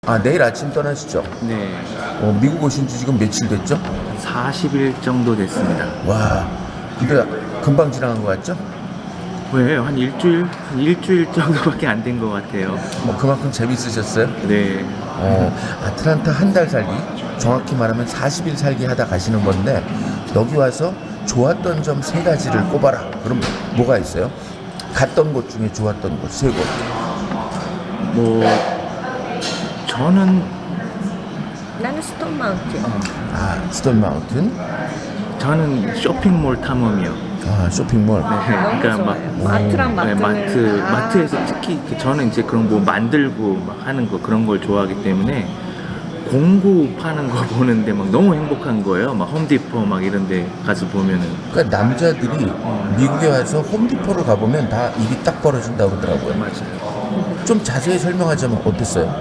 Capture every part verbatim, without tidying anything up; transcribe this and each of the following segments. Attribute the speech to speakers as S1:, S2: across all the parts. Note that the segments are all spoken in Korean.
S1: 아, 내일 아침 떠나시죠?
S2: 네,
S1: 어, 미국 오신 지 지금 며칠 됐죠?
S2: 사십 일 정도 됐습니다.
S1: 와, 근데 금방 지나간 것 같죠?
S2: 왜? 한 일주일? 한 일주일 정도밖에 안 된 것 같아요.
S1: 뭐 그만큼 재밌으셨어요?
S2: 네.
S1: 어, 아틀란타 한 달 살기, 정확히 말하면 사십 일 살기 하다 가시는 건데 여기 와서 좋았던 점 세 가지를 꼽아라. 그럼 뭐가 있어요? 갔던 곳 중에 좋았던 곳 세 곳.
S2: 뭐, 저는,
S3: 나는 스톤 마운틴.
S1: 아, 스톤 마운틴,
S2: 저는 쇼핑몰 탐험이요.
S1: 아, 쇼핑몰.
S2: 네,
S3: 너무
S2: 그러니까 막,
S3: 좋아요. 마트랑
S2: 네,
S3: 마트는
S2: 마트,
S3: 다
S2: 마트에서 특히 그 저는 이제 그런 뭐 만들고 막 하는 거 그런 걸 좋아하기 때문에 공구 파는 거 보는데 막 너무 행복한 거예요. 막 홈디포 막 이런 데 가서 보면은.
S1: 그러니까 남자들이 미국에 와서 홈디포를 가보면 다 입이 딱 벌어진다고 그러더라고요.
S2: 맞아요.
S1: 좀 자세히 설명하자면 어땠어요?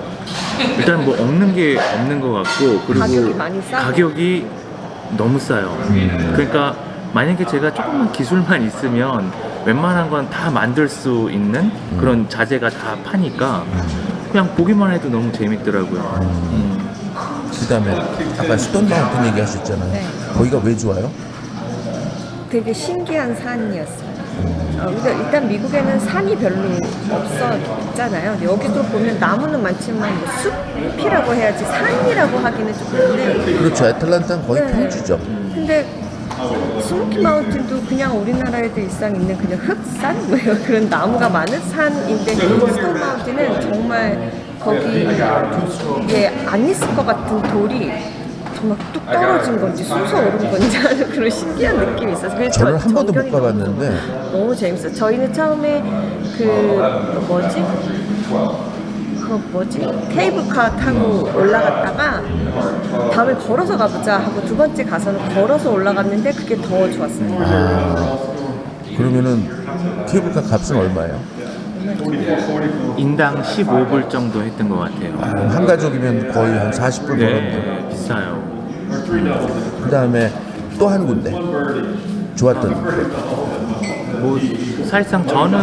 S2: 일단 뭐 없는 게 없는 것 같고, 그리고
S3: 가격이 많이 싸고.
S2: 가격이 너무 싸요. 그러니까 만약에 제가 조금만 기술만 있으면 웬만한 건 다 만들 수 있는 그런 자재가 다 파니까 그냥 보기만 해도 너무 재밌더라고요. 음.
S1: 그 다음에 아까 스톤 마운틴 얘기하셨잖아요.
S3: 네.
S1: 거기가 왜 좋아요?
S3: 되게 신기한 산이었어요. 어, 그러니까 일단 미국에는 산이 별로 없었잖아요. 근데 여기도 보면 나무는 많지만 뭐 숲이라고 해야지 산이라고 하기는 좀 그런데
S1: 그렇죠. 애틀란타는 거의
S3: 네.
S1: 평지죠.
S3: 근데 스모키 마운틴도 그냥 우리나라에도 일상 있는 그냥 흑산? 뭐예요? 그런 나무가 많은 산인데 스톤 마운틴은 정말 거기에 안 있을 것 같은 돌이 정말 뚝 떨어진 건지 솟아 오른 건지 하는 그런 신기한 느낌이 있어서 그래서
S1: 저는
S3: 저-
S1: 한 번도 못
S3: 전경이 너무
S1: 가봤는데
S3: 너무 재밌어요. 저희는 처음에 그 뭐지? 그 뭐지? 케이블카 타고 올라갔다가 다음에 걸어서 가보자 하고 두 번째 가서는 걸어서 올라갔는데 그게 더 좋았어요.
S1: 그러면은 케이블카 값은 얼마예요?
S2: 인당 십오 불 정도 했던 것 같아요.
S1: 아, 한 가족이면 거의 한 사십 불 벌었네요.
S2: 네, 비싸요.
S1: 그 다음에 또 한 군데 좋았던
S2: 뭐 사실상 저는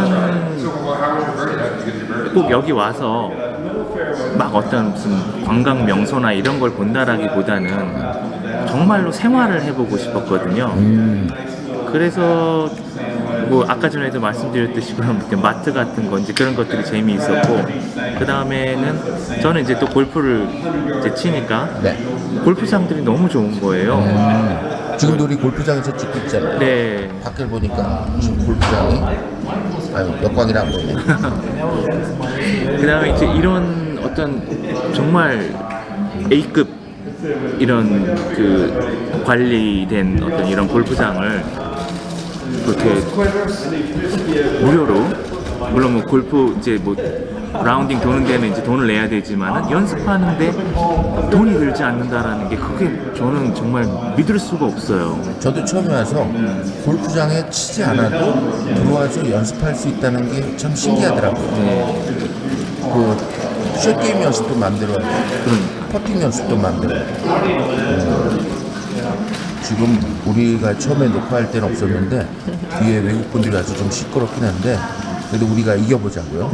S2: 꼭 여기 와서 막 어떤 무슨 관광 명소나 이런 걸 본다라기보다는 정말로 생활을 해보고 싶었거든요.
S1: 음,
S2: 그래서 뭐 아까 전에도 말씀드렸듯이 그런 마트 같은 건지 그런 것들이 재미있었고, 그 다음에는 저는 이제 또 골프를 이제 치니까
S1: 네.
S2: 골프장들이 너무 좋은 거예요.
S1: 음, 지금도 우리 골프장에서 찍고 있잖아요.
S2: 네.
S1: 밖을 보니까 지금 골프장이 아유 역광이라 안 보이네.
S2: 그 다음에 이제 이런 어떤 정말 A급 이런 그 관리된 어떤 이런 골프장을 그렇게 무료로, 물론 뭐 골프 이제 뭐 라운딩 도는 데는 이제 돈을 내야 되지만은 연습하는데 돈이 들지 않는다라는 게 그게 저는 정말 믿을 수가 없어요.
S1: 저도 처음에 와서 골프장에 치지 않아도 들어와서 연습할 수 있다는 게 참 신기하더라고요.
S2: 네.
S1: 그 숏게임 연습도 마음대로 하고
S2: 그러니까.
S1: 퍼팅 연습도 마음대로 하고 음, 지금 우리가 처음에 녹화할 때는 없었는데 뒤에 외국분들이 와서 좀 시끄럽긴 한데 그래도 우리가 이겨보자고요.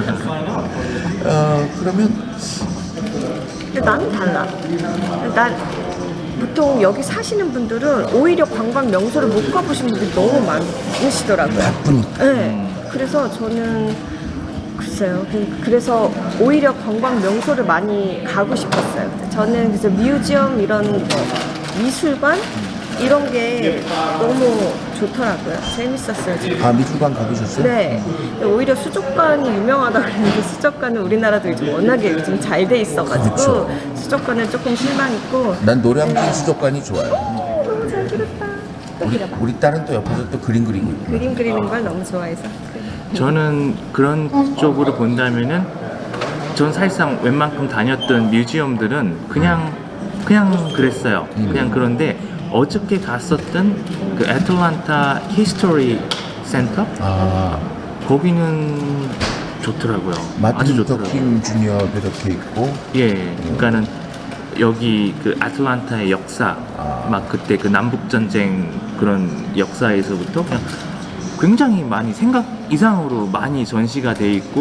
S1: 어, 그러면
S3: 근데 나는 달라. 난 보통 여기 사시는 분들은 오히려 관광 명소를 못 가보신 분들이 너무 많으시더라고요.
S1: 바쁘니까
S3: 네. 그래서 저는 글쎄요. 그- 그래서 오히려 관광 명소를 많이 가고 싶었어요. 저는 그래서 뮤지엄 이런 거, 미술관 이런 게 너무 좋더라고요. 재밌었어요. 지금.
S1: 아 미술관 가보셨어요?
S3: 네. 오히려 수족관이 유명하다 그랬는데 수족관은 우리나라도 요즘 워낙에 요즘 잘 돼 있어가지고
S1: 그렇죠.
S3: 수족관은 조금 실망했고.
S1: 난 노량진 수족관이 좋아요.
S3: 너무 잘 그렸다. 또
S1: 우리,
S3: 그려봐.
S1: 우리 딸은 또 옆에서 또 그림 그리고 있고.
S3: 그림 그리는 걸 너무 좋아해서.
S2: 저는 그런 쪽으로 본다면은 전 사실상 웬만큼 다녔던 뮤지엄들은 그냥 그냥 그랬어요. 그냥 그런데 어저께 갔었던 그 애틀란타 히스토리 센터
S1: 아
S2: 거기는 좋더라고요. 아주
S1: 마틴 루터
S2: 좋더라고요.
S1: 킹 주니어도 이렇게 있고
S2: 예, 그러니까는 여기 그 아틀란타의 역사,
S1: 아.
S2: 막 그때 그 남북 전쟁 그런 역사에서부터 그냥 굉장히 많이 생각 이상으로 많이 전시가 돼 있고,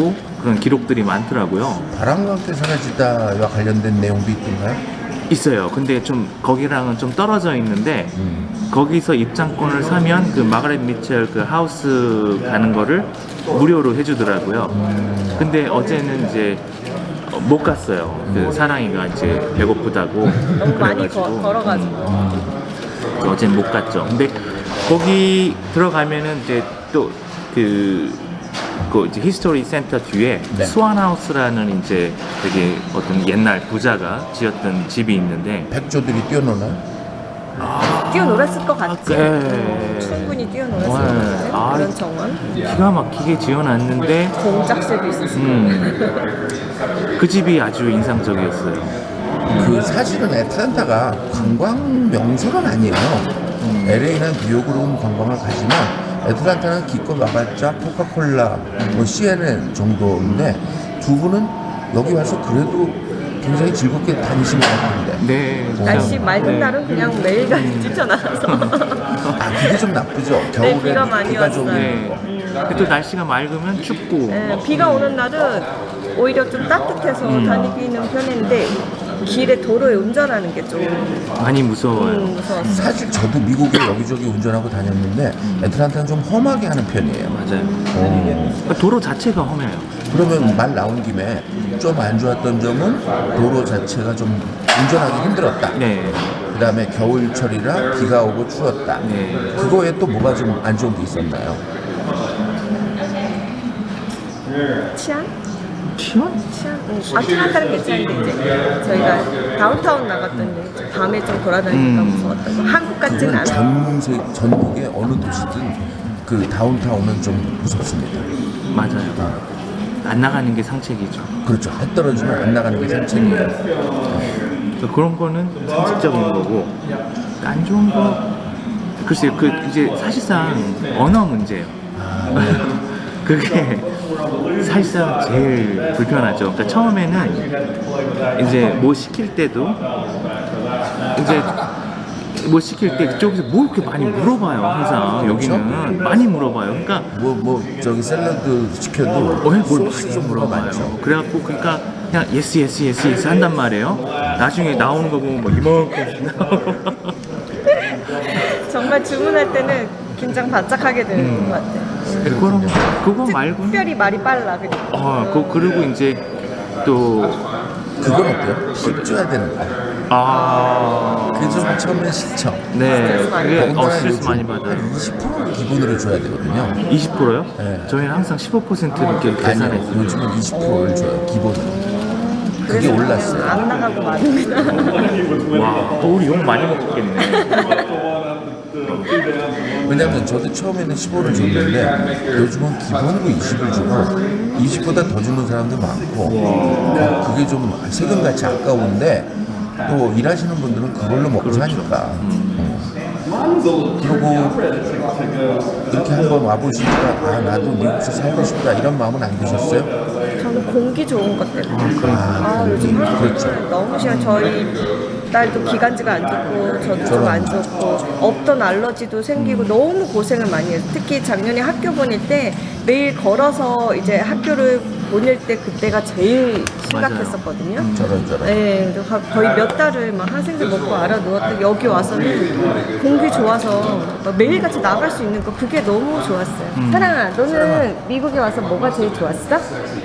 S2: 그런 기록들이 많더라고요.
S1: 바람과 함께 사라지다와 관련된 내용도 있던가요?
S2: 있어요. 근데 좀 거기랑은 좀 떨어져 있는데
S1: 음.
S2: 거기서 입장권을 사면 그 마가렛 미첼 그 하우스 가는 거를 무료로 해주더라고요.
S1: 음.
S2: 근데 어제는 이제 어, 못 갔어요. 그 사랑이가 이제 배고프다고
S3: 너무 많이
S2: 그래가지고
S3: 거, 걸어가지고.
S2: 그래서 어제는 못 갔죠. 근데 거기 들어가면은 이제 또그 그 이제 히스토리 센터 뒤에
S1: 네.
S2: 스완하우스라는 이제 되게 어떤 옛날 부자가 지었던 집이 있는데
S1: 백조들이 뛰어노나요?
S3: 뛰어놀았을 것 같지?
S2: 네.
S3: 음, 충분히 뛰어놀았을 것
S2: 네.
S3: 같은
S2: 아,
S3: 그런 정원.
S2: 기가 막히게 지어놨는데
S3: 공작새도 있었을
S2: 음, 그 집이 아주 인상적이었어요.
S1: 그 사실은 애틀랜타가 관광 명소는 아니에요. 엘에이는 뉴욕으로 온 관광을 가지만 애틀랜타는 기껏 와봤자 코카콜라, 뭐 씨엔엔 정도인데 두 분은 여기 와서 그래도 굉장히 즐겁게 다니신 것 같은데.
S2: 네.
S3: 때. 날씨
S2: 참,
S3: 맑은
S2: 네.
S3: 날은 그냥 매일같이 뛰쳐나가서.
S1: 아 그게 좀 나쁘죠. 겨울에
S3: 비가 많이
S1: 좀
S3: 왔어요.
S2: 네. 근데 또 날씨가 맑으면 춥고.
S3: 네, 비가 오는 날은 오히려 좀 따뜻해서
S2: 음.
S3: 다니기는 편했는데 길에 도로에 운전하는 게 좀
S2: 많이 무서워요.
S3: 음, 무서웠어요.
S1: 사실 저도 미국에 여기저기 운전하고 다녔는데 애틀랜타는 좀 험하게 하는 편이에요.
S2: 맞아요.
S1: 어.
S2: 도로 자체가 험해요.
S1: 그러면 말 나온 김에 좀 안 좋았던 점은 도로 자체가 좀 운전하기 힘들었다.
S2: 네.
S1: 그 다음에 겨울철이라 비가 오고 추웠다.
S2: 네.
S1: 그거에 또 뭐가 좀 안 좋은 게 있었나요?
S3: 치안?
S2: 치안?
S3: 치안? 음, 아, 치안따는 괜찮은데 이제 저희가 다운타운 나갔더니 밤에 좀 돌아다니니까
S2: 음.
S3: 무서웠던 거. 한국 같진
S1: 그건
S3: 않아.
S1: 전 세, 전국의 어느 도시든 그 다운타운은 좀 무섭습니다.
S2: 맞아요. 안 나가는 게 상책이죠.
S1: 그렇죠. 해 떨어지면 안 나가는 게 산책이에요.
S2: 그러니까 그런 거는 상식적인 거고 안 좋은 거 글쎄요. 그 이제 사실상 언어 문제예요. 그게 사실상 제일 불편하죠. 그러니까 처음에는 이제 뭐 시킬 때도 이제 뭐 시킬 때 그쪽에서 뭐 이렇게 많이 물어봐요. 항상 여기는 많이 물어봐요. 그러니까
S1: 뭐, 뭐, 저기 샐러드 시켜도
S2: 어, 뭘
S1: 소스
S2: 많이
S1: 종류가
S2: 물어봐요.
S1: 많죠.
S2: 그래갖고 그러니까 그냥 예스 예스 예스 예스 한단 말이에요. 나중에 나오는 거 보면 뭐 이만큼씩 나오고.
S3: 정말 주문할 때는 긴장 바짝하게 되는
S2: 음.
S3: 것 같아요.
S2: 그거 그거 말고
S3: 특별히 말이 빨라 그리고.
S2: 어, 그 그리고 이제 또
S1: 그건 어때요? 씹줘야 되는 거.
S2: 아,
S1: 그게 좀 처음에 싫죠.
S2: 네,
S3: 스트레스 많이
S2: 그게
S1: 더군다나
S2: 어, 스트레스
S1: 요즘
S2: 많이 받아요.
S1: 한 이십 퍼센트 기본으로 줘야 되거든요.
S2: 이십 퍼센트요?
S1: 네.
S2: 저희는 항상 십오 퍼센트 이렇게
S1: 아니요,
S2: 계산했어요.
S1: 요즘은 이십 퍼센트를 줘요, 기본으로. 그게
S3: 그래서
S1: 올랐어요.
S3: 그냥 안 나가고 마는구나.
S2: 와, 또 우리 욕 많이 먹겠네.
S1: 왜냐면 저도 처음에는 십오를 줬는데 요즘은 기본으로 이십을 주고 이십보다 더 주는 사람도 많고 어, 그게 좀 세금같이 아까운데 또 일하시는 분들은 그걸로 먹고 사니까 어. 그리고 이렇게 한번 와보시니까 아 나도 미국에서 살고 싶다 이런 마음은 안 드셨어요?
S3: 저는 공기 좋은 것 때문에.
S1: 아,
S3: 아, 요즘 한국은
S1: 그렇죠.
S3: 너무 싫어. 저희 딸도 기관지가 안 좋고 저도 좀 안 좋고 없던 알러지도 생기고 너무 고생을 많이 해요. 특히 작년에 학교 보낼 때 매일 걸어서 이제 학교를 보낼 때 그때가 제일 심각했었거든요.
S1: 저런 저런.
S3: 네, 그래서 가- 거의 몇 달을 막 항생제 먹고 알아 누웠더니 여기 와서는 공기 좋아서 막 매일같이 나갈 수 있는 거 그게 너무 좋았어요. 사랑아, 너는 미국에 와서 뭐가 제일 좋았어?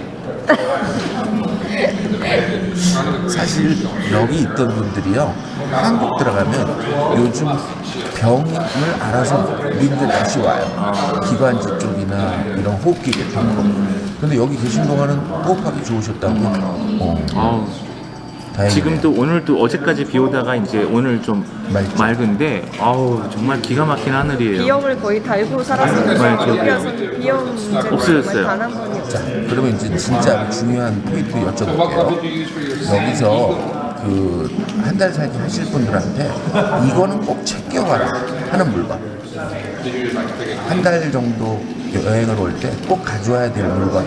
S1: 사실 여기 있던 분들이요 한국 들어가면 요즘 병을 알아서 미국에 다시 와요. 기관지 쪽이나 이런 호흡기계 이런 거. 근데 여기 계신 동안은 호흡하기 좋으셨다고. 어,
S2: 아우,
S1: 다행이네요.
S2: 지금도 오늘도 어제까지 비 오다가 이제 오늘 좀
S1: 맑죠.
S2: 맑은데 아우 정말 기가 막힌 하늘이에요.
S3: 비염을 거의 달고 살았었는데
S2: 네, 저도요.
S3: 여기 와서는 비염 문제는
S2: 없어졌어요.
S3: 단 한 번이 없어요.
S1: 자, 그러면 이제 진짜 중요한 포인트 여쭤볼게요. 여기서 그 한 달 살기 하실 분들한테 이거는 꼭 챙겨가라 하는 물건. 한 달 정도 여행을 올 때 꼭 가져와야 될 물건.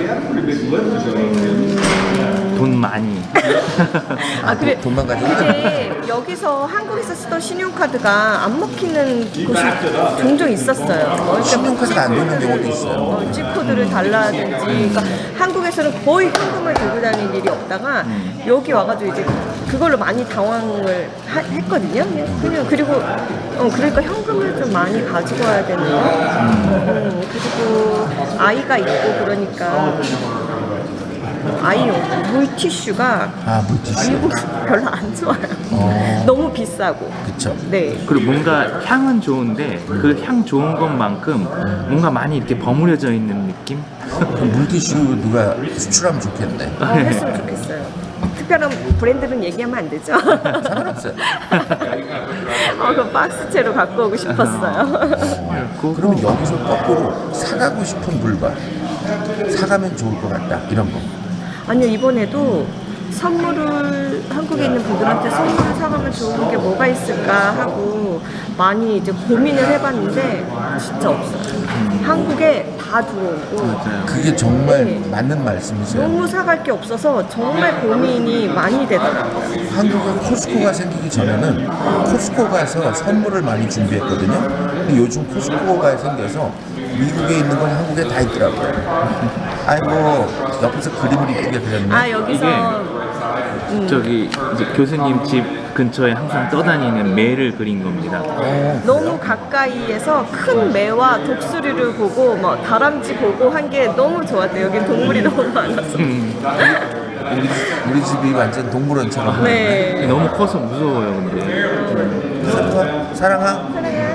S2: 돈 많이.
S3: 아 그래.
S1: 돈- 돈만 가져오면
S3: 근데 여기서 한국에서 쓰던 신용카드가 안 먹히는 곳이 종종 있었어요. 뭐 그러니까
S1: 신용카드가 안 되는
S3: G코드를-
S1: 경우도 있어요.
S3: 어, G코드를 달라든지. 그러니까 한국에 한국에서는 거의 현금을 들고 다니는 일이 없다가
S2: 음.
S3: 여기 와가지고 이제 그걸로 많이 당황을 하, 했거든요. 그냥 그리고 어, 그러니까 현금을 좀 많이 가지고 와야 되는 거. 음, 그리고 아이가 있고 그러니까 아이용 물티슈가
S1: 아, 물티슈.
S3: 미국 별로 안 좋아요.
S1: 어.
S3: 너무 비싸고.
S1: 그쵸.
S3: 네.
S2: 그리고 뭔가 향은 좋은데 그 향 좋은 것만큼 뭔가 많이 이렇게 버무려져 있는 느낌?
S1: 그 물티슈 누가 수출하면 좋겠네.
S3: 어, 했으면 좋겠어요. 특별한 브랜드는 얘기하면 안 되죠.
S1: 상관없어요.
S3: 어, 그 박스채로 갖고 오고 싶었어요.
S2: 그-
S1: 그러면 여기서 거꾸로 사가고 싶은 물건, 사가면 좋을 것 같다, 이런 거.
S3: 아니요, 이번에도 선물을 한국에 있는 분들한테 선물을 사가면 좋은 게 뭐가 있을까 하고 많이 이제 고민을 해봤는데 진짜 없어요. 한국에 다 들어오고
S2: 맞아요.
S1: 그게 정말
S3: 네.
S1: 맞는 말씀이세요.
S3: 너무 사갈 게 없어서 정말 고민이 많이 되더라고요.
S1: 한국에 코스코가 생기기 전에는 코스코 가서 선물을 많이 준비했거든요. 근데 요즘 코스코가 생겨서 미국에 있는 건 한국에 다 있더라고요. 아이고, 옆에서 그림을 이쁘게 그렸네.
S3: 아, 여기서
S2: 저기 이제 교수님 집 근처에 항상 떠다니는 매를 그린 겁니다.
S1: 어,
S3: 너무 가까이에서 큰 매와 독수리를 보고 뭐 다람쥐 보고 한 게 너무 좋았대요. 여기 동물이 너무 많아서.
S2: 음,
S1: 우리, 우리 집이 완전 동물원처럼.
S3: 네.
S2: 너무 커서 무서워요, 근데.
S1: 사랑아, 사랑아.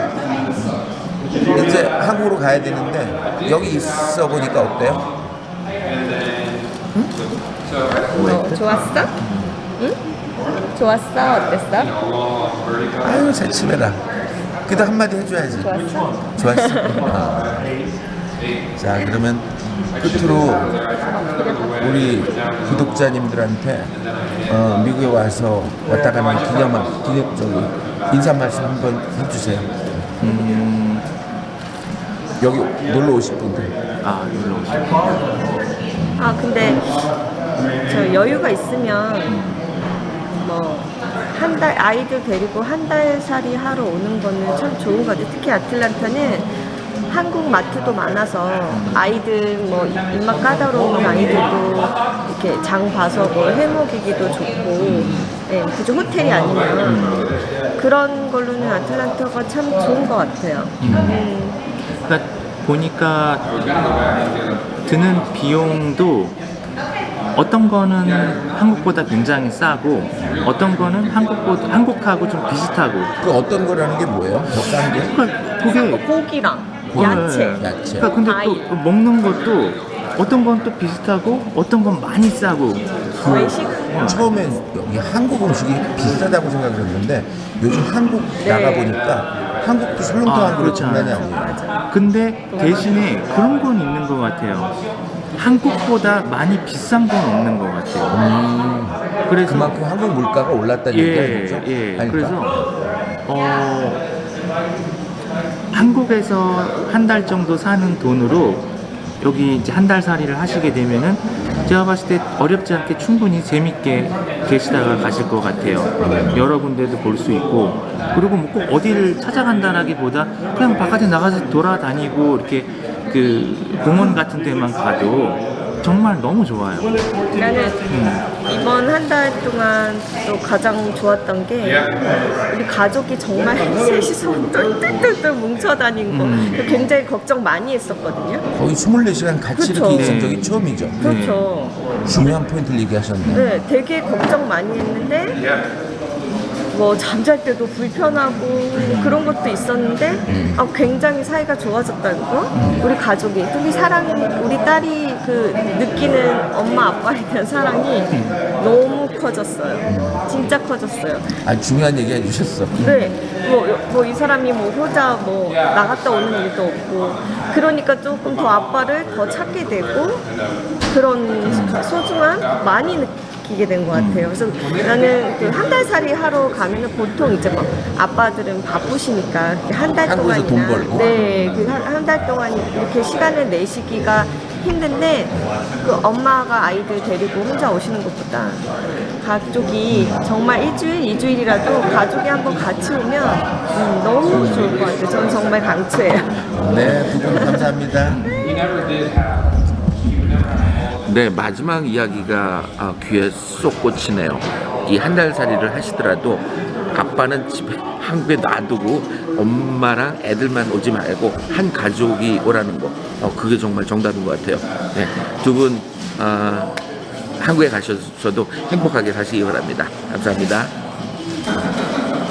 S1: 이제 한국으로 가야 되는데 여기 있어 보니까 어때요?
S3: 어, 좋았어? 응? 좋았어? 어땠어?
S1: 아유, 새침해라. 그래도 한마디 해줘야지.
S3: 좋았어?
S1: 좋았어. 아. 자, 그러면 끝으로 우리 구독자님들한테 어, 미국에 와서 왔다 가는 기념한 기념적인 인사 말씀 한번 해주세요.
S2: 음,
S1: 여기 놀러 오실 분들.
S2: 아, 놀러 오시고.
S3: 아, 근데 저 여유가 있으면 뭐 한 달 아이들 데리고 한 달 살이 하러 오는 거는 참 좋은 것 같아요. 특히 아틀란타는 한국 마트도 많아서 아이들 뭐 입맛 까다로운 아이들도 이렇게 장 봐서 뭐 해먹이기도 좋고, 네, 그저 호텔이 아니면 그런 걸로는 아틀란타가 참 좋은 것 같아요. 음.
S2: 그러니까 보니까 드는 비용도 어떤 거는 한국보다 굉장히 싸고 어떤 거는 한국보다 한국하고 좀 비슷하고.
S1: 그 어떤 거라는 게 뭐예요? 더 싼 게?
S2: 그러니까 그게
S3: 고기랑
S1: 고기.
S3: 야채.
S1: 야채.
S2: 그러니까 근데
S3: 과일.
S2: 또 먹는 것도 어떤 건 또 비슷하고 어떤 건 많이 싸고.
S3: 외식.
S1: 처음에 여기 한국 음식이 비싸다고 생각을 했는데 요즘 한국
S3: 네.
S1: 나가 보니까 한국도 설렁탕한 그릇
S2: 그렇죠.
S1: 장난이 아니에요.
S3: 맞아.
S2: 근데 대신에 그런 건 있는 것 같아요. 한국보다 많이 비싼 건 없는 것 같아요.
S1: 음,
S2: 그래서
S1: 그만큼 한국 물가가 올랐다는
S2: 예,
S1: 얘기가 있죠.
S2: 예.
S1: 아니,
S2: 그래서
S1: 그러니까
S2: 어, 한국에서 한 달 정도 사는 돈으로 여기 이제 한 달 살이를 하시게 되면은 제가 봤을 때 어렵지 않게 충분히 재밌게 계시다가 가실 것 같아요. 여러 군데도 볼 수 있고, 그리고 뭐 꼭 어디를 찾아간다라기보다 그냥 바깥에 나가서 돌아다니고 이렇게 그 공원 같은 데만 가도 정말 너무 좋아요.
S3: 나는 이번 한 달 동안 또 가장 좋았던 게 우리 가족이 정말 셋이서 똘똘똘똘 뭉쳐다닌 거.
S2: 음.
S3: 굉장히 걱정 많이 했었거든요.
S1: 거의 스물네 시간 같이
S3: 그쵸.
S1: 이렇게 있은
S2: 네.
S1: 적이 처음이죠.
S3: 그렇죠.
S1: 중요한 포인트를 얘기하셨네.
S3: 네, 되게 걱정 많이 했는데 뭐 잠잘 때도 불편하고 그런 것도 있었는데 아, 굉장히 사이가 좋아졌다는 거. 우리 가족이 우리 사랑 우리 딸이 그 느끼는 엄마 아빠에 대한 사랑이 너무 커졌어요. 진짜 커졌어요.
S1: 아주 중요한 얘기 해주셨어.
S3: 네, 뭐 이 사람이 뭐 효자 뭐 나갔다 오는 일도 없고 그러니까 조금 더 아빠를 더 찾게 되고 그런 소중함 많이 느끼게 된 것 같아요. 그래서 나는 그 한 달 살이 하러 가면은 보통 이제 막 아빠들은 바쁘시니까 한 달
S1: 한국에서
S3: 동안이나
S1: 돈 벌고.
S3: 네, 그 한 달 동안 이렇게 시간을 내시기가 힘든데 그 엄마가 아이들 데리고 혼자 오시는 것보다 가족이 정말 일주일, 이주일이라도 가족이 한번 같이 오면 음, 너무 좋을 것 같아요. 저는 정말 강추해요.
S1: 네, 두 분 감사합니다. 네, 마지막 이야기가 아, 귀에 쏙 꽂히네요. 이 한 달 살이를 하시더라도 아빠는 집에 한국에 놔두고 엄마랑 애들만 오지 말고 한 가족이 오라는 거. 어, 그게 정말 정답인 것 같아요. 네, 두 분 아, 한국에 가셔서도 행복하게 사시기 바랍니다. 감사합니다.